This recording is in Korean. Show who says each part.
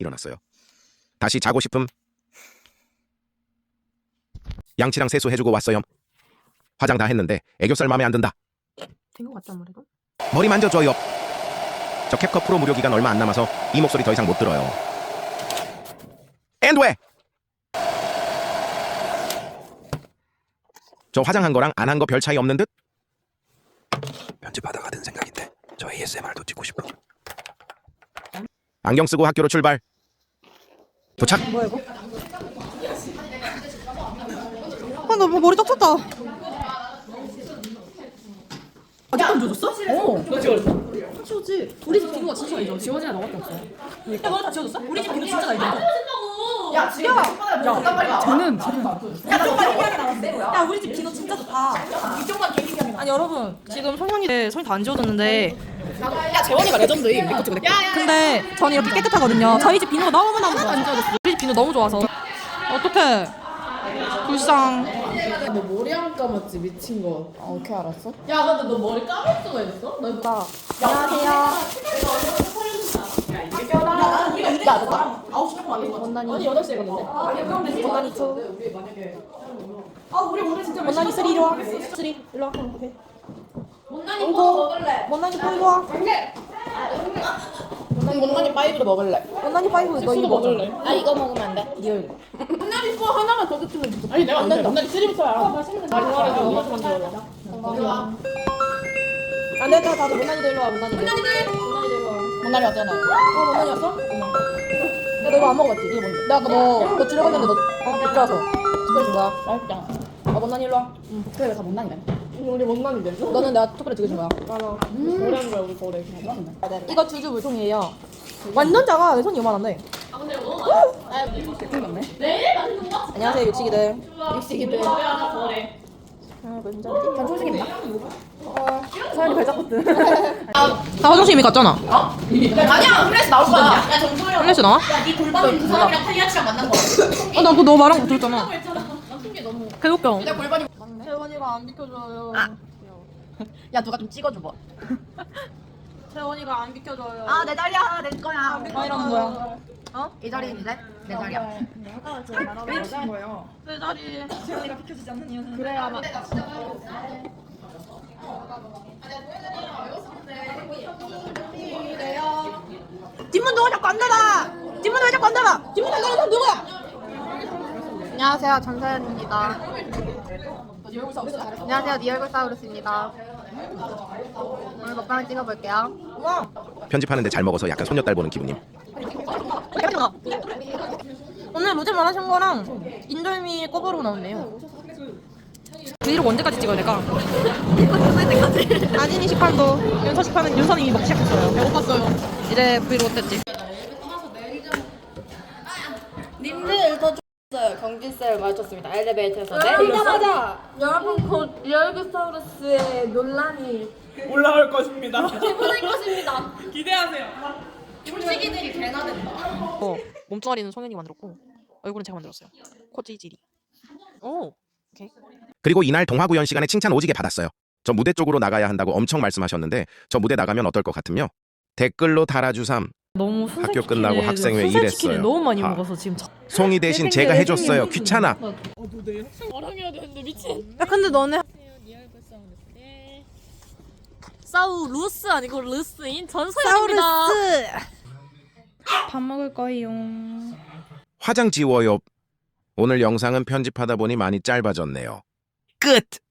Speaker 1: 일어났어요. 다시 자고 싶음. 양치랑 세수해주고 왔어요. 화장 다 했는데 애교살 맘에 안 든다.
Speaker 2: 된 것 같지 아무래도?
Speaker 1: 머리 만져줘요. 저 캡컷 프로 무료 기간 얼마 안 남아서 이 목소리 더 이상 못 들어요. 앤 왜? 저 화장한 거랑 안 한 거 별 차이 없는 듯? 편집하다가 든 생각인데 저 ASMR도 찍고 싶어. 안경 쓰고 학교로 출발. 도착.
Speaker 2: 뭐야 이거? 나 뭐 머리 딱 쳤다. 아직도 안 지워졌어?
Speaker 3: 너 지워졌어?
Speaker 2: 지워지. 우리 집 비누가 진짜 잘 지워. 지워지는 너밖에 없어. 야 너네 다 지워졌어? 우리 집 비누 진짜 잘 지워. 야 지금 쟤는 야 우리 집 비누 진짜 좋다. 이쪽만 개인기하는 아니 여러분 지금 성현이 손이 다 안 지워졌는데 야 재원이가 레전드임. 근데 저는 이렇게 깨끗하거든요. 저희 집 비누가 너무너무 좋아. 안 지워졌어. 우리 집 비누 너무 좋아서 어떡해. 불쌍.
Speaker 3: 너 머리 안 감았지 미친 거.
Speaker 2: 어떻게 알았어?
Speaker 3: 야 근데 너 머리 감을 수가 있어? 너
Speaker 2: 나 안녕하세요. 원난이
Speaker 3: 8시에 갔는데.
Speaker 2: 원난이 투. 원난이 쓰리 이리 와. 쓰리 일로 와. 오케이.
Speaker 3: 못난이 뭐 먹을래?
Speaker 2: 원난이 포 이리 와.
Speaker 3: 못난이 파이브도 먹을래.
Speaker 2: 원난이 파이브 너 이거 먹을래?
Speaker 3: 아 이거 먹으면 안 돼.
Speaker 2: 네 얼굴.
Speaker 3: 못난이 거 하나만 더 드시면 좋겠다. 아니 내가 안 된다. 못난이 3부터야. 말이 말해서 엄마 좀 만들어.
Speaker 2: 안 됐다 다들 원난이도 일로 와. 원난이도 일로 와.
Speaker 3: 못난이 왔잖아.
Speaker 2: 원난이 왔어? 야 너 이거 안 먹어봤지? 이거 뭔데? 나 아까 너 주려고 했는데 못 가서 특별히 준 거야.
Speaker 3: 맛있다.
Speaker 2: 원난이 일로 와.
Speaker 3: 그래 왜 다 못난이네. 우리 못난이 됐어?
Speaker 2: 너는 내가 특별히 두개 준 거야.
Speaker 3: 노래한 거야 우리 거래.
Speaker 2: 이거 주주 물통이에요. 완전 작아. 내 손이 요만한데. 안녕하세요 육식이들.
Speaker 3: 육식이들.
Speaker 2: 전 초식입니다. 서현이 발작거든. 나 화장실 이미 갔잖아.
Speaker 3: 아니야 플래시 나올 거 아니야. 야 정소영.
Speaker 2: 플래시 나와?
Speaker 3: 야네 골반은 그 사람이랑 탈리아치랑 만난 거.
Speaker 2: 나 그거 너 말한 거 들었잖아.
Speaker 3: 나큰게 너무.
Speaker 2: 개웃겨.
Speaker 3: 내 골반이.
Speaker 2: 채원이가 안 비켜줘요.
Speaker 3: 야 누가 좀 찍어줘 봐.
Speaker 2: 채원이가 안 비켜줘요.
Speaker 3: 아 내 자리야 내 거야.
Speaker 2: 이러는 거야.
Speaker 3: 이 자리는 이제 내 자리야.
Speaker 2: 내 자리. 채원이가 비켜주지 않는 이유는 그래야 막. 뒷문 누가 자꾸 안 닫아? 뒷문 왜 자꾸 안 닫아? 뒷문 안 닫는 사람 누구야?
Speaker 4: 안녕하세요, 전서연입니다. 안녕하세요, 니얼굴사우루스입니다. 오늘 먹방을 찍어볼게요.
Speaker 2: 와.
Speaker 1: 편집하는데 잘 먹어서 약간 손녀딸 보는 기분임.
Speaker 2: 오늘 로제 말하신 거랑 인절미 꼬바로 나왔네요. 브이로그 언제까지 찍어야 될까? 아진이 식판도 윤서 식판은 윤서는 이미 먹기 시작했어요. 배고팠어요. 이제 브이로그 뗐지.
Speaker 4: 님들 더 좋았어요. 경진쌤을 마주쳤습니다. 엘리베이터에서 내리자마자 여러분 곧 니얼굴사우루스의 논란이
Speaker 3: 올라올 것입니다.
Speaker 4: 개보낼 것입니다.
Speaker 3: 기대하세요.
Speaker 4: 출시기들이 개나 된다.
Speaker 2: 몸뚱아리는 성현이 만들었고 얼굴은 제가 만들었어요. 코 찌질이. 오. 오케이.
Speaker 1: 그리고 이날 동화구연 시간에 칭찬 오지게 받았어요. 저 무대 쪽으로 나가야 한다고 엄청 말씀하셨는데 저 무대 나가면 어떨 것 같으며? 댓글로 달아주삼.
Speaker 2: 너무
Speaker 1: 학교 끝나고 학생회 일했어요.
Speaker 2: 너무 많이
Speaker 1: 아.
Speaker 2: 먹어서 지금.
Speaker 1: 송이 대신 제가 해줬어요. 귀찮아.
Speaker 3: 말하게야 되는데 미친.
Speaker 2: 야 근데 너네
Speaker 4: 사우루스 아니고 루스인 전서연입니다.
Speaker 2: 사우루스. 밥 먹을 거예요.
Speaker 1: 화장 지워요. 오늘 영상은 편집하다 보니 많이 짧아졌네요. 끝!